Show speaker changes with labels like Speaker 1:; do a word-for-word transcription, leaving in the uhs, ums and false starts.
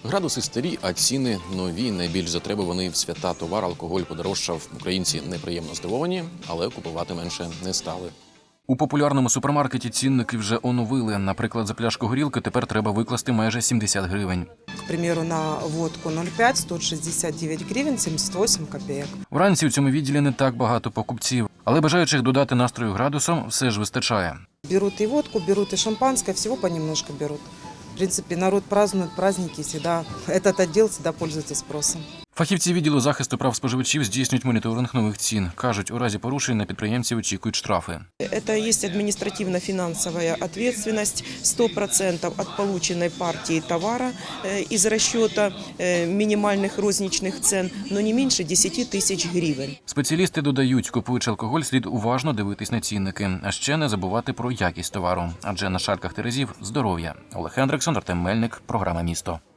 Speaker 1: Градуси старі, а ціни нові. Найбільш затребуваний в свята товар алкоголь подорожчав. Українці неприємно здивовані, але купувати менше не стали. У популярному супермаркеті цінники вже оновили. Наприклад, за пляшку горілки тепер треба викласти майже сімдесят гривень.
Speaker 2: К примеру, на водку нуль п'ять – сто шістдесят дев'ять гривень сімдесят вісім копійок.
Speaker 1: Вранці у цьому відділі не так багато покупців, але бажаючих додати настрою градусом все ж вистачає.
Speaker 2: Берут и водку, берут и шампанское, всего понемножку берут. В принципе, народ празднует праздники, всегда этот отдел всегда пользуется спросом.
Speaker 1: Фахівці відділу захисту прав споживачів здійснюють моніторинг нових цін. Кажуть, у разі порушень на підприємців очікують штрафи.
Speaker 3: Это есть административно-финансовая ответственность, сто процентов от полученной партии товара из расчета минимальных розничных цен, но не меньше десять тисяч гривень.
Speaker 1: Спеціалісти додають, купуючи алкоголь, слід уважно дивитись на цінники, а ще не забувати про якість товару. Адже на шальках терезів – здоров'я. Олег Хендриксон, Артем Мельник, програма «Місто».